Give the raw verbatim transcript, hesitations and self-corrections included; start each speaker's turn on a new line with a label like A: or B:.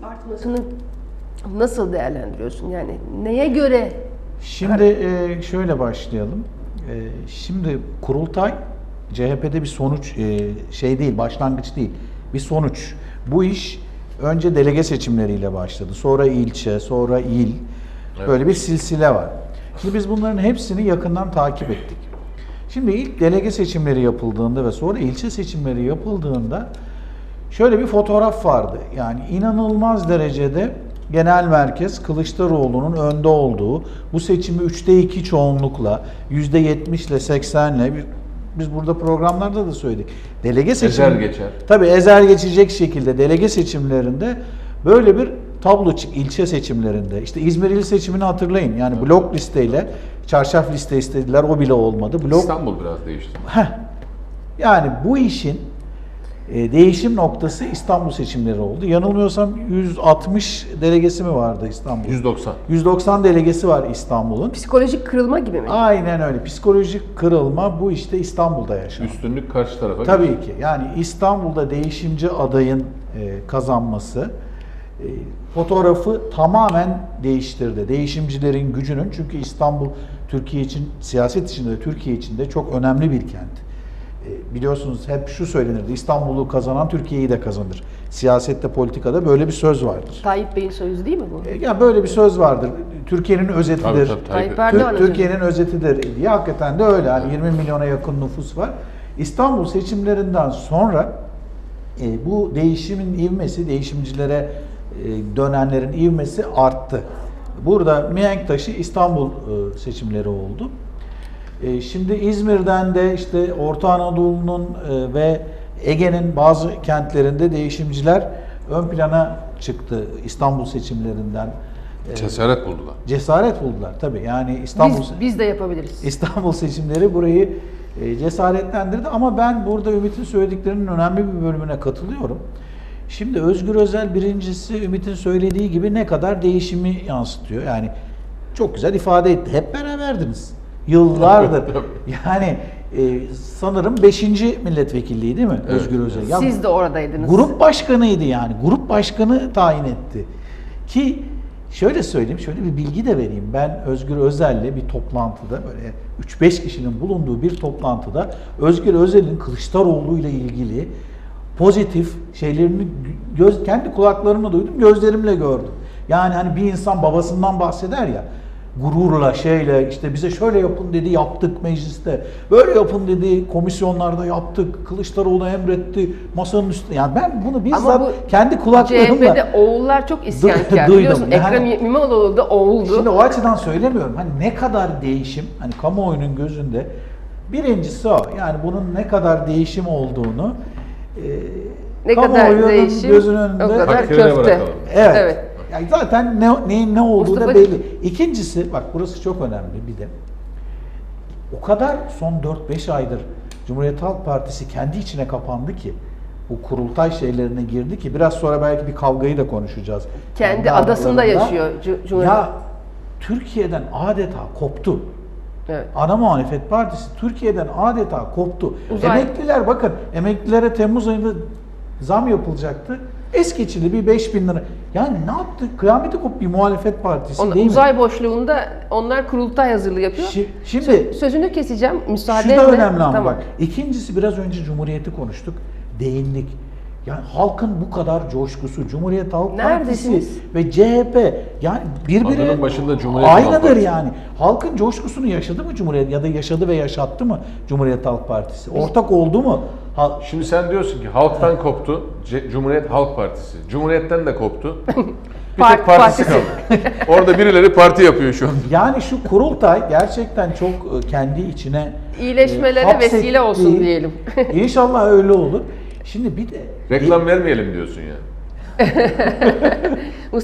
A: artmasını nasıl değerlendiriyorsun? Yani neye göre?
B: Şimdi e, şöyle başlayalım. E, şimdi kurultay C H P'de bir sonuç e, şey değil, başlangıç değil. Bir sonuç. Bu iş önce delege seçimleriyle başladı. Sonra ilçe, sonra il.
C: Evet.
B: Böyle bir silsile var. Şimdi biz bunların hepsini yakından takip ettik. Şimdi ilk delege seçimleri yapıldığında ve sonra ilçe seçimleri yapıldığında şöyle bir fotoğraf vardı. Yani inanılmaz derecede genel merkez Kılıçdaroğlu'nun önde olduğu, bu seçimi üçte iki çoğunlukla, yüzde yetmiş ile seksenle, biz burada programlarda da söyledik. Delege seçim,
C: ezer geçer.
B: Tabii ezer geçecek şekilde delege seçimlerinde böyle bir tablo çık ilçe seçimlerinde. İşte İzmir il seçimini hatırlayın. Yani blok listeyle, çarşaf liste istediler, o bile olmadı. Blok...
C: İstanbul biraz değişti.
B: Heh. Yani bu işin e, değişim noktası İstanbul seçimleri oldu. Yanılmıyorsam yüz altmış delegesi mi vardı İstanbul?
C: yüz doksan.
B: yüz doksan delegesi var İstanbul'un.
A: Psikolojik kırılma gibi mi?
B: Aynen öyle. Psikolojik kırılma bu işte İstanbul'da yaşandı.
C: Üstünlük karşı tarafa.
B: Tabii
C: geçti.
B: ki. Yani İstanbul'da değişimci adayın e, kazanması e, fotoğrafı tamamen değiştirdi. Değişimcilerin gücünün, çünkü İstanbul Türkiye için, siyaset içinde de Türkiye için de çok önemli bir kent. E, biliyorsunuz hep şu söylenirdi: İstanbul'u kazanan Türkiye'yi de kazanır. Siyasette, politikada böyle bir söz vardır.
A: Tayyip Bey'in sözü değil mi bu?
B: E, yani böyle bir söz vardır. Türkiye'nin özetidir.
C: Tabii, tabii,
A: Tayyip
C: Tayyip.
A: Erdoğan
B: Tür- Türkiye'nin özetidir diye, hakikaten de öyle. Yani yirmi milyona yakın nüfus var. İstanbul seçimlerinden sonra e, bu değişimin ivmesi, değişimcilere e, dönenlerin ivmesi arttı. Burada mihenk taşı İstanbul e, seçimleri oldu. E, şimdi İzmir'den de işte Orta Anadolu'nun e, ve Ege'nin bazı kentlerinde değişimciler ön plana çıktı İstanbul seçimlerinden. E,
C: Cesaret buldular.
B: Cesaret buldular tabii. Yani İstanbul
A: Biz, biz de yapabiliriz.
B: İstanbul seçimleri burayı e, cesaretlendirdi, ama ben burada Ümit'in söylediklerinin önemli bir bölümüne katılıyorum. Şimdi Özgür Özel birincisi Ümit'in söylediği gibi ne kadar değişimi yansıtıyor. Yani çok güzel ifade etti. Hep beraberdiniz. Yıllardır. Yani e, sanırım beşinci milletvekilliği değil mi
C: Evet.
B: Özgür Özel? Ya,
A: Siz de oradaydınız.
B: grup başkanıydı yani. Grup başkanı tayin etti. Ki şöyle söyleyeyim, şöyle bir bilgi de vereyim. Ben Özgür Özel'le bir toplantıda, böyle üç beş kişinin bulunduğu bir toplantıda Özgür Özel'in Kılıçdaroğlu ile ilgili pozitif şeylerini göz, kendi kulaklarımla duydum, gözlerimle gördüm. Yani hani bir insan babasından bahseder ya, gururla, şeyle, işte bize şöyle yapın dedi, yaptık mecliste. Böyle yapın dedi, komisyonlarda yaptık. Kılıçdaroğlu emretti, masanın üstünde. Yani ben bunu bizzat
A: bu
B: kendi kulaklarımla...
A: C H P'de oğullar çok isyankar.
B: duydum.
A: Biliyorsun
B: Yani-
A: Ekrem İmamoğlu da oğuldu.
B: Şimdi o açıdan söylemiyorum. Hani ne kadar değişim, hani kamuoyunun gözünde birincisi o. Yani bunun ne kadar değişim olduğunu e,
A: Ne kadar
B: kamuoyunun
A: değişim,
B: gözünün önünde...
A: o kadar
C: Hakkıyla
A: köfte.
C: bırakalım.
B: Evet.
A: Evet.
B: Yani zaten ne, neyin ne olduğu da
A: Mustafa'cığım.
B: belli. İkincisi, bak burası çok önemli bir de. O kadar son dört beş aydır Cumhuriyet Halk Partisi kendi içine kapandı ki, bu kurultay şeylerine girdi ki, biraz sonra belki bir kavgayı da konuşacağız.
A: Kendi
B: Kendi
A: adasında
B: aralarında.
A: yaşıyor Cu- Cumhuriyet.
B: Ya Türkiye'den adeta koptu.
A: Evet.
B: Ana Muhalefet Partisi Türkiye'den adeta koptu.
A: Uzay-
B: Emekliler, bakın, emeklilere Temmuz ayında zam yapılacaktı. Es geçildi bir beş bin lira. Yani ne yaptı? Kıyameti koptu bir muhalefet partisi
A: Onlar,
B: değil mi?
A: uzay boşluğunda onlar kurultay hazırlığı yapıyor.
B: Şi- Şimdi
A: Sö- Sözünü keseceğim müsaadenle.
B: şu da önemli ama
A: Tamam.
B: bak. İkincisi, biraz önce Cumhuriyet'i konuştuk. Değindik. Yani halkın bu kadar coşkusu, Cumhuriyet Halk
A: Neredesiniz?
B: Partisi ve C H P, yani birbiri
C: Adının başında Cumhuriyet Halk
B: aynıdır
C: Partisi.
B: yani. Halkın coşkusunu yaşadı mı Cumhuriyet, ya da yaşadı ve yaşattı mı Cumhuriyet Halk Partisi? Ortak oldu mu? Ha-
C: Şimdi sen diyorsun ki halktan koptu, C- Cumhuriyet Halk Partisi. Cumhuriyetten de koptu. Bir
A: Part-
C: tek partisi
A: partisi.
C: kaldı. Orada birileri parti yapıyor şu an.
B: Yani şu kurultay gerçekten çok e, kendi içine
A: İyileşmelere
B: hapsettiği-
A: vesile olsun diyelim.
B: İnşallah öyle olur. Şimdi bir de
C: Reklam vermeyelim diyorsun yani.